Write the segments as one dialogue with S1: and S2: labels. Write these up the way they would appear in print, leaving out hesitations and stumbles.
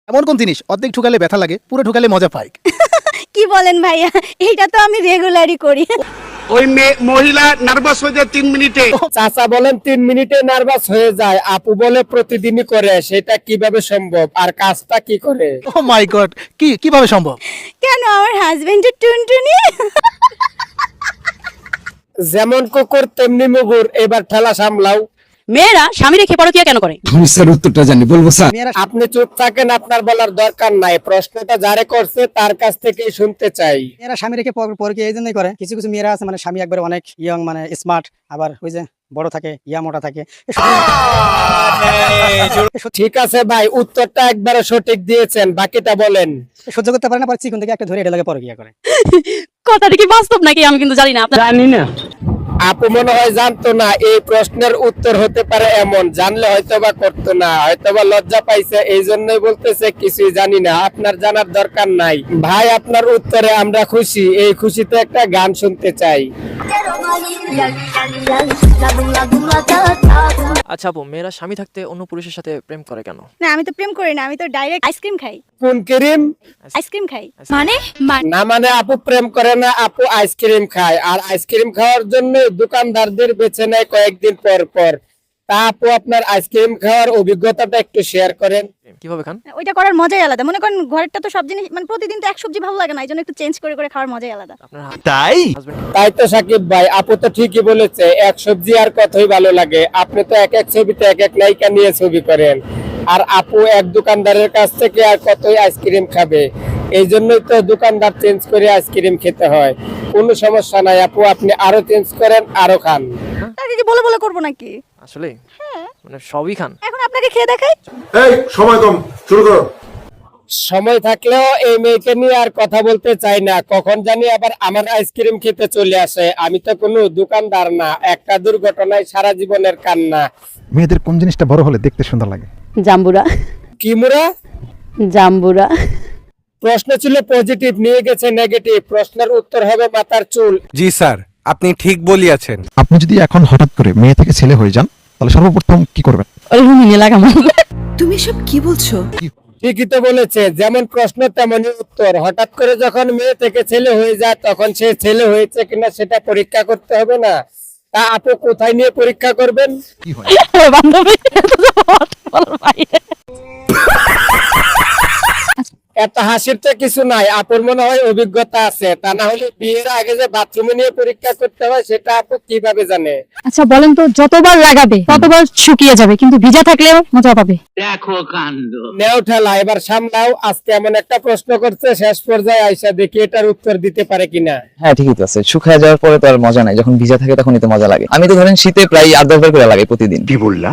S1: এমন কোন জিনিস অর্ধেক ঠুকালে ব্যথা লাগে, পুরো ঠুকালে মজা পায়?
S2: কি বলেন ভাইয়া, এইটা তো আমি রেগুলারই করি।
S3: ওই মহিলা নার্ভাস হয়ে যায় 3 মিনিটে।
S4: চাচা বলেন 3 মিনিটে নার্ভাস হয়ে যায়, আপু বলে প্রতিদিনই করে, সেটা কিভাবে সম্ভব আর কাজটা কি করে?
S1: ও মাই গড, কিভাবে সম্ভব?
S2: কেন, আমার হাজবেন্ডের টুনটুনি।
S4: যেমন কুকুর তেমনি মুগুর, এবার ঠেলা সামলাও।
S5: মেয়েরা স্বামী রেখে পরকিয়া কেন করে?
S6: আমি স্যার উত্তরটা জানি, বলবো স্যার?
S4: আপনি চুপ থাকেন, আপনার বলার দরকার নাই, প্রশ্নটা যারে করছে তার কাছ থেকেই শুনতে চাই।
S7: মেয়েরা স্বামী রেখে পরকীয়া এই জন্যই করে। কিছু কিছু মেয়েরা আছে মানে স্বামী একবার অনেক ইয়ং, মানে স্মার্ট, আবার ওই যে বড় থাকে, ইয়া মোটা থাকে।
S4: ঠিক আছে ভাই, উত্তরটা একবারে সঠিক দিয়েছেন, বাকিটা বলেন।
S7: সহ্য করতে পারে না, পরে চিকন থেকে একটা ধরে এটা লাগে পরকীয়া করে।
S5: কথাটা কি বাস্তব নাকি আমি কিন্তু জানি না।
S4: জানি না, আপু মনে হয় জানতো না এই প্রশ্নের উত্তর হতে পারে এমন, জানলে হয়তোবা করতো না, হয়তোবা লজ্জা পাইছে এই জন্যই বলতেছে কিছুই জানি না। আপনার জানার দরকার নাই ভাই, আপনার উত্তরে আমরা খুশি, এই খুশিতে একটা গান শুনতে চাই।
S8: আচ্ছা আপু, মেয়েরা স্বামী থাকতে অন্য পুরুষের সাথে প্রেম করে কেন?
S2: না, আমি তো প্রেম করি না, আমি তো ডাইরেক্ট আইসক্রিম খাই।
S4: কোন ক্রিম?
S2: আইসক্রিম খাই
S5: মানে
S4: না মানে আপু প্রেম করে না, আপু আইসক্রিম খায়, আর আইসক্রিম খাওয়ার জন্য দোকানদারদের বেছে নেয় কয়েকদিন পর পর। তা আপু আপনার আইসক্রিম খাওয়ার অভিজ্ঞতাটা একটু শেয়ার করেন।
S8: কিভাবে খান?
S2: ওইটা করার মজাই আলাদা। মনে করেন ঘরেরটা তো সব জিনিস মানে প্রতিদিন তো এক সবজি ভালো লাগে না, এই জন্য একটু চেঞ্জ করে করে খাওয়ার মজাই আলাদা।
S8: আপনার
S1: তাই
S8: হাজবেন্ড
S4: তাই তো সাকিব ভাই, আপু তো ঠিকই বলেছে, এক সবজি আর কতই ভালো লাগে। আপনি তো এক এক ছবিতে এক এক নায়িকা নিয়ে ছবি করেন, আর আপু এক দোকানদারের কাছ থেকে আর কতই আইসক্রিম খাবে, এই জন্যই তো দোকানদার চেঞ্জ করে আইসক্রিম খেতে হয়। কোনো সমস্যা নাই আপু, আপনি আরো চেঞ্জ করেন, আরো খান।
S2: তাকে কি বলে বলে করবো নাকি?
S8: আসলে মানে সবই খান?
S2: এখন আপনাকে খেয়ে দেখাই।
S3: এই সময় কম, শুরু করো।
S4: সময় থাকলেও এই মেয়েকে নিয়ে আর কথা বলতে চাই না, কখন জানি আবার আমার আইসক্রিম খেতে চলে আসে। আমি তো কোনো দোকানদার না, একটা দুর্ঘটনায় সারা জীবনের কান্না।
S9: মেয়েদের কোন জিনিসটা বড় হলে দেখতে সুন্দর লাগে?
S5: জাম্বুরা।
S4: কি মুরা?
S5: জাম্বুরা।
S4: প্রশ্ন ছিল পজিটিভ, নিয়ে গেছে নেগেটিভ। প্রশ্নের উত্তর হবে মাথার চুল।
S6: জি স্যার, আপনি ঠিক বলিয়াছেন।
S9: আপনি যদি এখন হঠাৎ করে মেয়ে থেকে ছেলে হয়ে যান, তাহলে সর্বপ্রথম কি করবেন?
S5: ওই রুমিনে লাগামো।
S10: তুমি সব কি বলছো?
S4: ঠিকই তো বলেছে, যেমন প্রশ্ন তেমনই উত্তর। হঠাৎ করে যখন মেয়ে থেকে ছেলে হয়ে যায়, তখন সে ছেলে হয়েছে কিনা সেটা পরীক্ষা করতে হবে না? তা আপু কোথায় নিয়ে পরীক্ষা করবেন?
S9: কি হয়?
S5: বান্ধবী
S4: এত হাসির তো কিছু নাই, আপুর মনে হয় অভিজ্ঞতা আছে। তা না হলে বিয়ের আগে যে বাথরুমে নিয়ে পরীক্ষা করতে হয় সেটা আপু কিভাবে জানে?
S5: আচ্ছা বলেন তো, যতবার লাগাবে ততবার শুকিয়ে যাবে, কিন্তু ভিজা থাকলেও মজা পাবে।
S4: নেও ঠেলা, এবার সামলাও। আজকে এমন একটা প্রশ্ন করছে, শেষ পর্যায়ে আইসা দেখি এটার উত্তর দিতে পারে কিনা।
S11: হ্যাঁ ঠিকই তো আছে, শুকায় যাওয়ার পরে তো আর মজা নাই, যখন ভিজা থাকে তখনই তো মজা লাগে। আমি তো ধরেন শীতে প্রায় 8-10 বার করে লাগাই প্রতিদিন।
S3: কি বললা?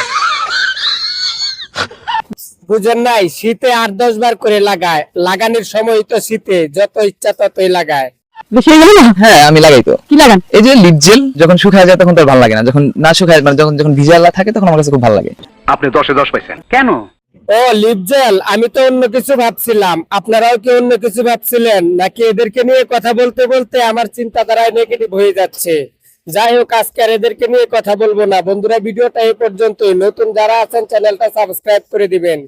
S4: বুঝেন নাই, শীতে 8-10 বার করে লাগায়। লাগানোর সময় তো শীতে, যত ইচ্ছা ততই লাগায়।
S5: বেশি হয়ে গেল না?
S11: হ্যাঁ আমি লাগাই তো।
S5: কি লাগান?
S11: এই যে লিপ জেল, যখন শুকায় যায় তখন তো আর ভালো লাগে না, যখন না শুকায় মানে যখন যখন ভিজা থাকে তখন আমার কাছে খুব ভালো লাগে।
S3: আপনি 10-এ 10 পাইছেন কেন?
S4: ও লিপ জেল, আমি তো অন্য কিছু ভাবছিলাম। আপনারাও কি অন্য কিছু ভাবছিলেন নাকি? এদেরকে নিয়ে কথা বলতে বলতে আমার চিন্তাধারায় নেগেটিভ হয়ে যাচ্ছে। যাই হোক, আজকে আর এদেরকে নিয়ে কথা বলবো না। বন্ধুরা, ভিডিওটা এই পর্যন্তই। নতুন যারা আছেন চ্যানেলটা সাবস্ক্রাইব করে দিবেন।